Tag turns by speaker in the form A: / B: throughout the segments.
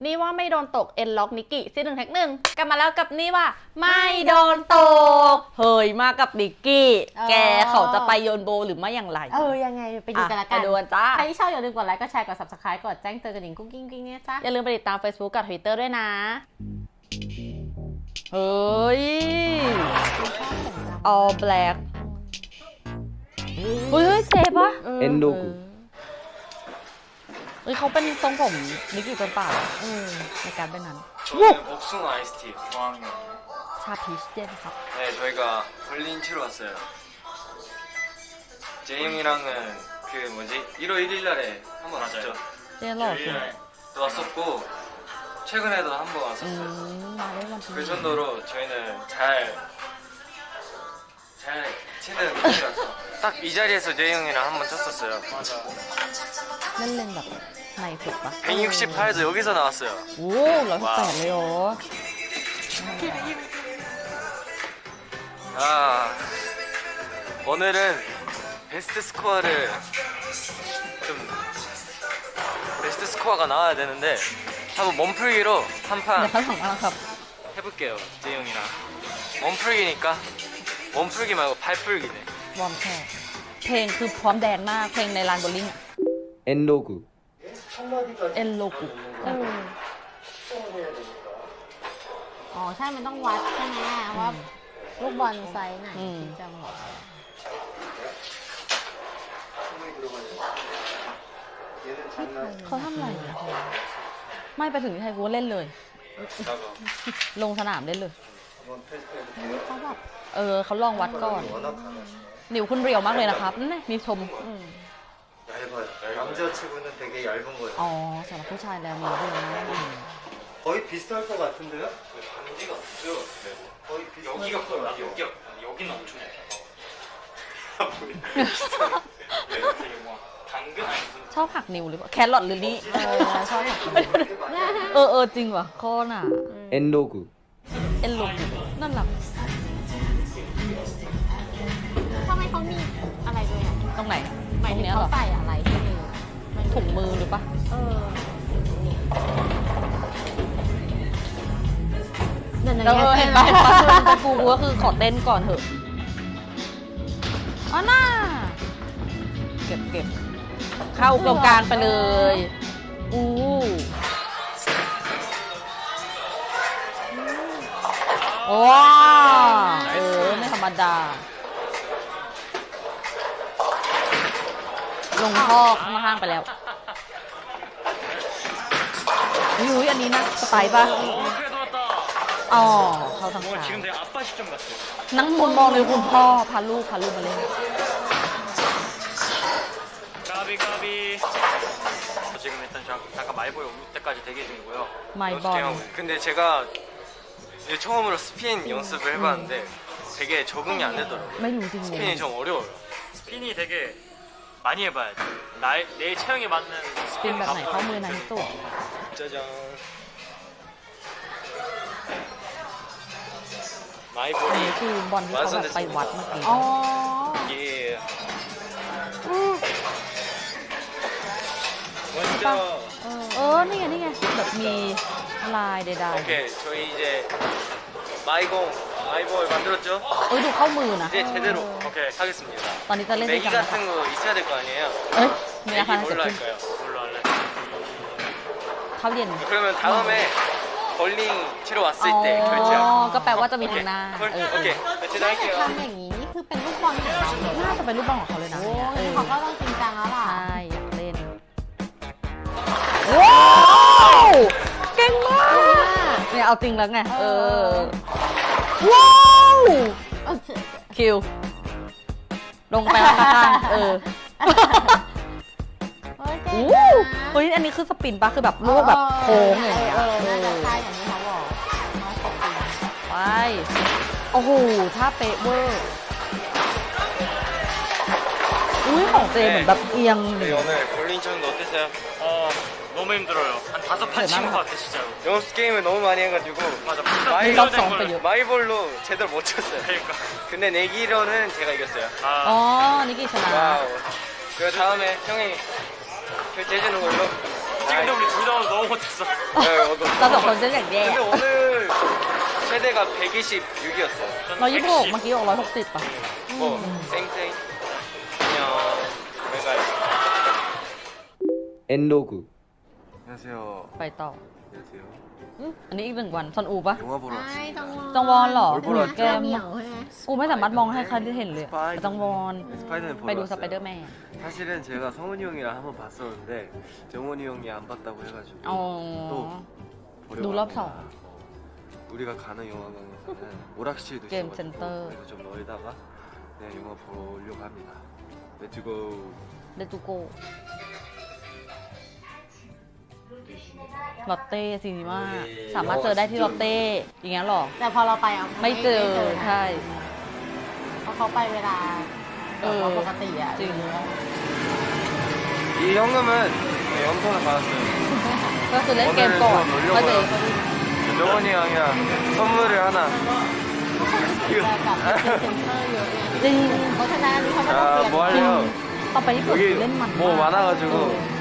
A: นี่ว่าไม่โดนตกเอ็นล็อกนิกกี้ซีหนึ่งแท็กหนึ่งกลับมาแล้วกับนี่ว่าไม่โดนตกเฮ้ยมากับนิกกี้แกเขาจะไปโยนโบหรือไม่อย่างไร
B: ยังไงไปดูกันละกัน
A: ไปดูกันจ้า
B: ใครที่ชอบอย่าลืมกดไลค์กดแชร์กด subscribe กดแจ้งเตือนกระดิ่งกุ้งกิ้งกิ้งเนี่ยจ้า
A: อย่าลืมไปติดตาม Facebook กับ Twitter ด้วยนะเฮ้ย all black เฮ้ยเซฟปะ
C: เอ็นดู
A: เฮ้ยเขาเป็นทรงผมนิกกี้จนเปล่าในการเป็นนั้น
D: 복숭아 아이스티 저항이요.
A: ชาพีชเย็นครับ
D: 네, 저희가 볼링 치러 왔어요. 제이형이랑은 그 뭐지 1월 1일 날에 한 번 왔죠.
A: เจ๊หล่อจริง
D: 또 왔었고 최근에도 한 번 왔었어요.
A: มาได้วันที่
D: 그 정도로 저희는 잘 치는 분이라서 딱 이 자리에서 제이형이랑 한 번 쳤었어요. 맞아.
A: เล่นแบบในสุดปะ
D: 168도 여기서 나왔어요.
A: โอ้118เลยเหรอ
D: 아, 오늘은 베스트 스코어를 좀 베스트 스코어가 나와야 되는데 한번 몸풀기로 한
A: เดี๋ยว
D: 판
A: เขาส่งมาแล้วครับ
D: 해볼게요, 제이형이랑. 몸풀기니까 몸풀기 말고 발풀기네.
A: วอร์มแค่เพลงคือพร้อมแดนมากเพลงในลานโบลิ่ง
C: เอ็นดูกู
A: เอ็นโลกุ
B: อ๋อใช่มันต้องวัดใช่ไหมว่าลูกบอลไซส์ไหนจะเหมาะ
A: เขาทำอะไรนะไม่ไปถึงที่ไทยกูเล่นเลย ลงสนามเล่นเลย
B: เขาแบบ
A: เขาลองวัดก่อนนิ้วคุณเรียวมากเลยนะครับนี่มีชม
E: 얇아요. 남자 치고는 되게 얇은 거예요.
A: อ๋อสำหรับผู้ชายแล้วนิ้วเรียวมาก
E: 거의 비슷할 것 같은데요?
D: 반지가 없죠.
E: 거의 비슷할
D: 여기가
E: 것
D: 커요.
E: 같아요.
D: 여기는 엄청 얇아. 되게 뭐 당근 아니 무슨
A: ชอบหักนิ้วหรือเปล่าแครอทหรือนี่
B: ชอบ
A: จริงว่ะข้อน่ะ
C: เอ็นดูกู
A: เอ็นโลกุนั่นหลัก
B: ทำไมเขามีอะไรด้วยอ่ะ
A: ตรงไหน
B: หมาย
A: ตร
B: ถึ
A: ง
B: ง
A: เนี้ย
B: เขา
A: เหรอ
B: ใส่อะไรที่มือ
A: ถุงมือหรือปะ
B: เดี๋ยว
A: แล้วเห็นปะแต่กูก็คือขอเต้นก่อนเถอะอ๋อน่าเก็บเข้าตรงกลางไปเลยว้าไม่ธรรมดาลงท่อข้างล่างไปแล้วอุ้ยอันนี้นะสไปปะอ๋อเขาทำฉาก
D: 지금 내가 아빠 시점 같아.
A: นั่งมุมมองเลยคุณพ่อพาลูกมาเล่น
D: 까비. 지금 일단 잠깐 마이볼 올 때까지 대기 중이고요.
A: 마이볼.
D: 연습 중이고. 근데 제가 이제 처음으로 스핀 연습을 해봤는데 되게 적응이 안 되더라고요.
A: ไม่รู้จริง
D: 스핀이 좀 어려워요. 스핀이 되게 많이 해봐야 돼. 내 체형에 맞는
A: เป็นแบบไหนเข้ามือไหนสุด
D: 짜잔. 마이볼이
A: นี่คือบอลที่เขาแบบไปวัดเมื่อกี้
B: อ๋อ
D: 예. 먼저
A: นี่ไงแบบมีลายใด
D: 오케이 저희 이제 마이볼 만들었죠?
A: ๆดูเข้ามือนะ
D: 이제 제대로 오케이 하겠습니다.
A: ตอนนี้จะเล่นด้วย
D: 내기
A: กันนะคะ
D: 같은 거 있어야 될 거 아니에요?
A: มีอา
D: 내기
A: คารเกิด
D: 뭘로
A: ขึ้น
D: 할까요? 뭘로 할래?
A: เข้าเย็น
D: 그러면 다음에 볼링 치러 왔을 때
A: อ๋อ
D: 결제하고
A: ก็แปลว่าจะมีทางหน้า
D: 오케이 배치
B: ถ้าจะ
D: 할게요.
B: ทำอย่างนี้นี่คือเป็นลูกบอลของเราเลย
A: น่าจะเป็นรูปบอลของเขาเลยนะ
B: โอ้เขาก็ต้องจริงจังแล้วล่ะ
A: ใช่อยากเล่นว้าวเก่งมากเนี่ยเอาจริงแล้วไงว้าวคิวลงไปข้างๆเฮ้ยอันนี้คือสปินปะคือแบบลูกแบบโค้งอย่างเงี้ย
B: น่าจะใช่อย่างที่เขาบอก
A: ไปโอ้โหท่าเป๊ะเวอร์อุ้ยของเจเหมือนแบบเอียงหนึ่ง
D: 오늘 볼링 치는 거 어땠어요?
F: 너무 힘들어요. 한 5판 친 것 같아 진짜로.
D: 연습 게임을 너무 많이 해가지고
F: 맞아.
A: 연습 성 빼요.
D: 마이볼로 제대로 못 쳤어요.
F: 그러니까.
D: 근데 내기로는 제가 이겼어요.
A: อ๋อ
F: 아,
A: นิกกี้ชนะ
D: 와우. 그리고 다음에 형이 결제해주는 걸로.
F: 찍은데 우리 둘 다 너무 못했어.
A: เราสองคนจะอย่างแย่
D: 근데 오늘 최대가 126이었어요.
A: 126เมื่อกี้บอก160ป่ะ
D: 뭐 쌩쌩. 안녕. 외가요.
C: 엔로그
D: 안녕하세요.
A: ไปต่อ
D: 안녕하세요.
A: อันนี้อีก1 วันซอนอูปะ
D: 영화 보러
B: ใช่
D: 왔습니다.
B: จังวอน
A: จังวอนเหรอ
D: โอ้ย
A: แก
B: เหนียวใช่ไหม
A: กูไม่สามารถมองให้ใครได้เห็นเลยอะจังวอน
D: 스파이더맨
A: ไป
D: 보러
A: ดูส
D: 왔어요.
A: ไปเดอร์แมน
D: 사실은 제가 성훈이 형이랑 한번 봤었는데 정훈이 형이 안 봤다고 해가지고
A: อ๋อ
D: 또 보려고
A: 놀랍다.
D: 합니다. 우리가 가는 영화관에서는 오락실도
A: 게임
D: 있어가지고
A: 센터.
D: 그래서 좀 놀다가 그냥 영화 보려고 합니다. 렛츠고.
A: เดตูโกลอตเต้ซีนีมาสามารถเจอได้ที่ลอตเต้อย่างเงี้ยหรอ
B: แต่พอเราไปอ่ะ
A: ไม่เจอ
B: นะ
A: ใช่
B: เพราะเขาไปเวลาปกติอ่ะ
A: จริง
D: 이 현금은 네, 영통을 받았어요.
A: ก็คือเล่นเกมก่อนก็เจอ
D: 정훈이 형이랑 선물을 하나.
B: แต่กับเซ็นเตอร์เยอะไง
A: จริง
B: เพราะฉะนั้นอันนี้เขาไม่ต้อง
D: 자,
B: เสีย
D: 뭐
A: จริง
D: 할래요?
A: ต่อไปญี่ปุ่น
D: 여기
A: เล่นมัน
D: 뭐 많아가지고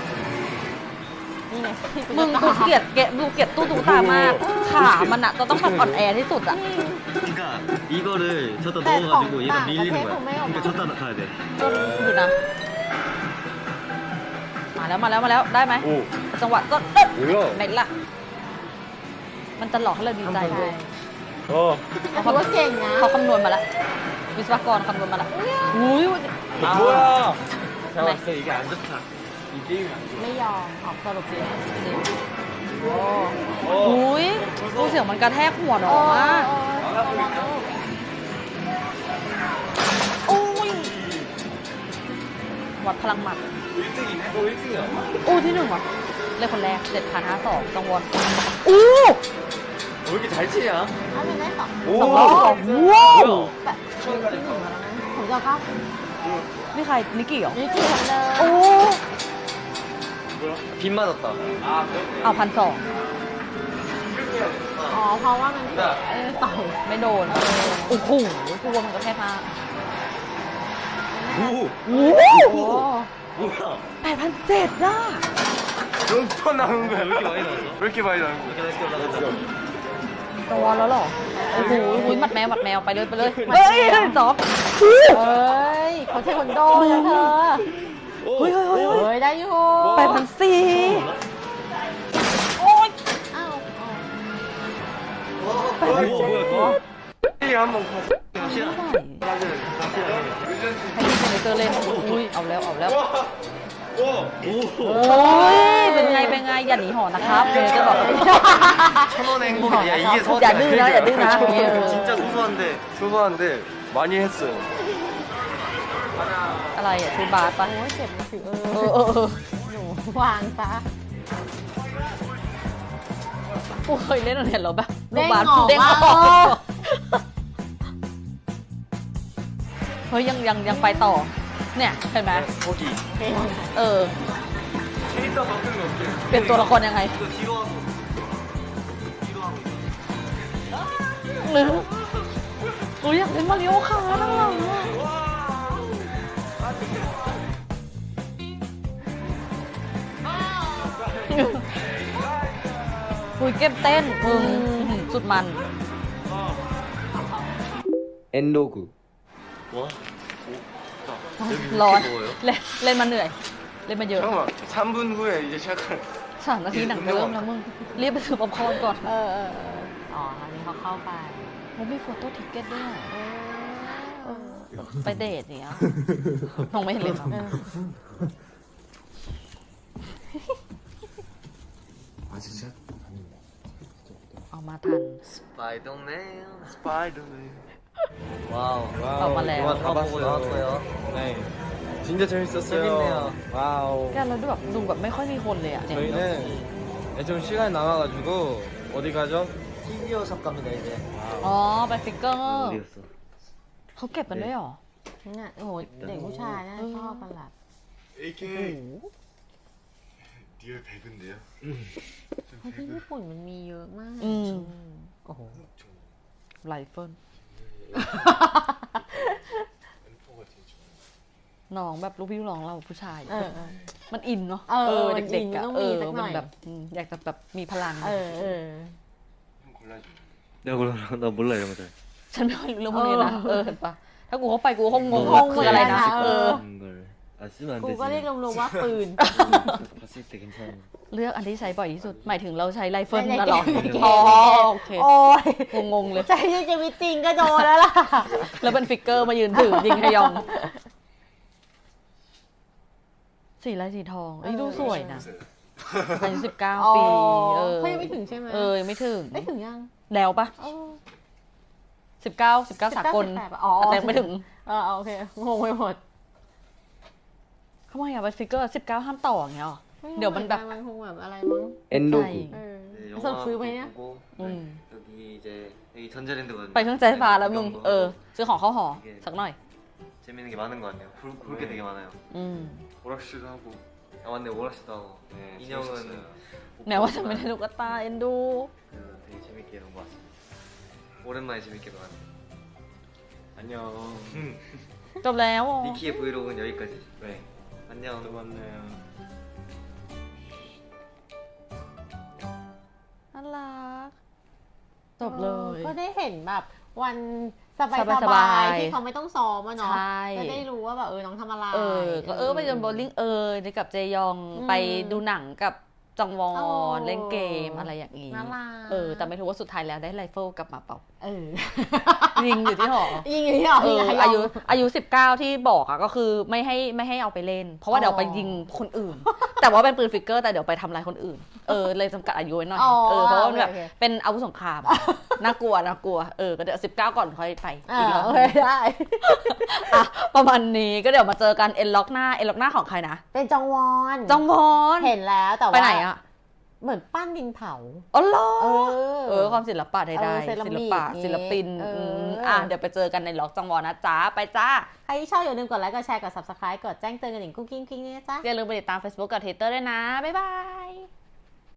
B: นี่ไง
A: มึงดูเกลียดดูเกลียดตู้ตุ๊กตามากขามันอะจะต้องแบบอ่อนแอที่สุดอะ
E: 그러니까 이거를 줬다
B: 네,
E: 넣어가지고 얘가
B: 아,
E: 밀리는
B: 네,
E: 거야.
B: 네,
E: 그러니까
B: 네.
E: 줬다 가야 돼.
A: ก็อยู่นะ มาแล้วได้ไหม
D: 오
A: จังหวะก็
D: 뭐야?
A: ไหนล่ะ มันจะหลอกให้เราดีใจเลย
D: 어
B: แต่ถือว่าเก่งนะ
A: เขาคำนวณมาแล้ว วิศวกรคำนวณมาแล้วอุ้ย
D: 뭐야?
A: 네.
D: 잡았어 이게 안 좋다. 이 게임이 안 좋아.
B: ไม่ยอมออกสรุปเลย
A: อุ้ยดูเสียงมันกระแทกหัวน้องมากโอ้ยวัดพลังหมัด
D: 1등이 너 1등이야.
A: โอ้ที่หนึ่งว่ะเลยคนแรก7,052จังหวะอู้
D: 왜 이렇게 잘 치냐?
B: ถ้าเป็นได้สอง
A: สองรอบว้าว
B: แบบที่หนึ่งแล้วนะผมจะเข้า
A: นี่ใครนิกกี้เหรอ
B: นี่คือคนเดิม
A: โอ้
E: 빗 맞았다.
A: เอา1,200
B: อ๋อเพราะว่ามันต่อย
A: ไม่โดนโอ้โหกลัวมันกระแทกมาก
E: 오!
A: โอ้
B: โอ้
E: 뭐야?
A: 8,700น่ะ
D: 몇번 나온 거야?
E: 왜 이렇게 많이 나왔어?
D: 왜 이렇게 많이 나온 거야?
E: 이렇게 다시 올라가자.
A: จังหวะแล้วเหรอโอ้โหหมัดแมวไปเลยเฮ้ยจ๊อบ
B: เอ้ยเขาเทควันโดนะเธอ
A: เฮ้ย
B: เฮ้ยได้อยู่
A: 8,400โอ้ย
B: อ้าว
E: 뭐야, 뭐야,
D: 이 한번 봐.
A: ให้พี่เซนเตอร์เล่นอุ้ยเอาแล้ว
E: 오!
A: โอ้ยเป็นไงอย่าหนีหอนะครับเดี๋ยวจะบอก
D: 천원의 행복이야. 야 이게
A: 야, 느나, 야, 느나.
D: 진짜 소소한데 많이 했어요.
A: อะไรอ่ะซื้อบาสปะ
B: โอ้ยเจ็บมือถือ
A: เออ
B: หนูวางซะ
A: กูเคยเล่นอะไรเหรอแบบ
B: เด้ง
A: บาส
B: ออก
A: เด้งอ
B: มา
A: อกเฮ้ยยังไปต่อ เนี่ยเห็นไหม
D: 거기
A: เออ
D: 캐릭터 바꾸는 거 어때?
A: เปลี่ยนตัวละครยังไง
E: 이거 뒤로 하고. 뒤로 하고.
A: หรือกูอยากเล่นมาริโอคาร์ทหลังอ่ะคุยเก็บเต้นสุดมัน
C: 엔로그
E: 와.
A: ร้อน
E: 뭐예요?
A: เล่นมาเหนื่อย เล่นมาเยอะ
D: 잠깐만 3분 후에 이제 시작할
A: 3 นาทีหนังจะเริ่มแล้วมึง รีบไปซื้อป๊อปคอร์นก่อน
B: เอออ๋ออันนี้เขาเข้าไป
A: มันมีโฟโต้ทิกเก็ตด้วยไปเดทเนี้ยมองไม่เห็นเลยเหรอ
D: 아 진짜?
A: เอามาทัน
E: 스파이더맨.
D: 스파이더맨
E: 와우.
A: 어, 맞아요.
E: 영화 다 보고 나왔어요.
C: 네 진짜 재밌었어요.
E: 재밌네요.
C: 와우.
A: แกแล้วดูแบบไม่ค่อยมีคนเลยอ่ะเนี่ย
C: 저희는 좀 시간이 남아가지고 어디 가죠?
E: 피규어 샵 갑니다 이제.
A: อ๋อไปฟิกเกอร์
E: 어디였어?
A: เขาเก็บกันด้วยเหรอ
B: เนี่ยโอ้โหเด็กผู้ชายน่าชอบกันแหละ
D: AK 리얼 배그인데요?
B: เพราะที่ญี่ปุ่นมันมีเยอะมาก
A: อืมโอ้โหไรเฟิล
D: M4가 제일 좋아요
A: น้องแบบลูกพี่ลูกน้องเราผู้ชาย
B: เออ
A: มันอินเนาะ
B: มันอิ
A: เด็ก
B: น
A: ๆอะ
B: ต้องมีสักหน่
A: มั
B: อย
A: แบบอยากจะแบบมีพลัง
C: 내가 몰라. 나 몰라 이런 거들.
A: ฉันไม่ค่อยรู้เรื่องพวกนี้นะเห็นปะถ้ากูเข้าไปกูคงงง
B: ง
A: ว่าง คืออะไรนะ
B: เหมือนกันนะ
C: 이런 걸. 아 쓰면 안
B: กู
C: 되지.
B: ก็เรียกรวมๆว่าปืน
C: 봤을 때 괜찮아.
A: เลือกอันที่ใช้บ่อยที่สุด หมายถึงเราใช้ไรเฟิล
B: ใน
A: นะหรอ
B: เกม
A: อ๋อโอเค
B: โอ้ย
A: งงๆเลย
B: ใจชีวิตจริงก็โดนแล้วล่ะ
A: แล้วเป็นฟิกเกอร์มายืนถือยิงฮยอง สีลายสีทองเอ้ยดูสวยนะอายุ19 ปี
B: เขายังไม่ถึงใช่ไหม
A: ยังไม่ถึง
B: ไม่ถึงยัง
A: แล้วปะ
B: เออ
A: 19 สากล
B: 18ปะอ๋อ
A: แต่ยังไม่ถึง
B: โอเคงงไปหมด
A: ทำไมอะเป็นฟิกเกอร์19 ห้ามต่ออย่างเงี้ยหรอ เดี๋ยวมันแบบ
B: มันคงแบบอะไรมั้ง
C: 엔로그.
B: เออ
E: 네,
B: สรุปซื้อไหมเนี่ย
E: 보고
A: 음.
E: 여기 이제 여기 전자랜드거든요.
A: ไปเครื่องใช้ไฟฟ้าแล้วมึงซื้อของเข้าหอสักหน่อย
E: 재밌는 게 많은 것 같네요. 볼 게 되게 많아요.
A: อืม
C: 오락실도 하고.
E: 아 맞네 오락실도 하고.
C: 네,
E: 인형은
C: 재밌었어요.
A: แม้ว่าจะไม่ได้ลูกตาเอ็นดู
E: 그래서 되게 재밌게 논 것 같습니다. 오랜만에 재밌게 놀았네요.
C: 안녕.
A: จบแล้วอ๋อ
E: 니키의 브이로그는 여기까지.
C: 네.
E: 안녕.
C: 또 만나요.
A: น่ารักจบเลย
B: ก็ได้เห็นแบบวันสบาย
A: สบายๆ
B: ๆที่เขาไม่ต้องซ้อมอะเนาะ
A: ใช่
B: ก็ได้รู้ว่าแบบน้องทำอะไร
A: ก็ไปเดินโบว์ลิ่งได้กับเจยอง
B: อืม
A: ไปดูหนังกับจองวอ
B: โอ้
A: นเล่นเกมอะไรอย่างนี้
B: น่ารัก
A: แต่ไม่รู้ว่าสุดท้ายแล้วได้ไรเฟิลกลับมาเปล่า
B: เออ
A: ยิงอยู่ที่หอ
B: ยิงอยู่ที่หอ
A: เอ
B: ยิง
A: อ
B: กับ
A: อายุ19ที่บอกอะก็คือไม่ให้เอาไปเล่น เพราะว่าเดี๋ยวไปยิงคนอื่น แต่ว่าเป็นปืนฟิกเกอร์แต่เดี๋ยวไปทำลายคนอื่นเลยจำกัดอายุไว้หน่อยเพราะว่ามันแบบเป็นอาวุธสงครามน่ากลัวก็เดี๋ยว19ก่อนค่อยไป
B: อ่า
A: อีกรอบ
B: โอเคได้
A: อ่ะประมาณนี้ก็เดี๋ยวมาเจอกันเอ็นล็อกหน้าของใครนะ
B: เป็นจองวอน
A: จองวอน
B: เห็นแล้วแต่ว่า
A: ไปไหนอะ
B: เหมือนปั้นดินเผา
A: อ๋อเหรอ
B: เออ
A: ความศิลปะใด
B: เซรา
A: ๆศิ
B: มิ
A: ล
B: ก
A: ปะ
B: นี่
A: ศิลปิน เดี๋ยวไปเจอกันในล็อกจองวอนนะจ๊ะไปจ้า
B: ใครที่ชอบอย่าลืมกดไลค์กดแชร์กด subscribe กดแจ้งเตือนกันหนิงกุ้งกิ้งกิ้งเนี่ยจ้า
A: อย่าลืมไปติดตาม Facebook กับ Twitter ด้วยนะบ๊ายบาย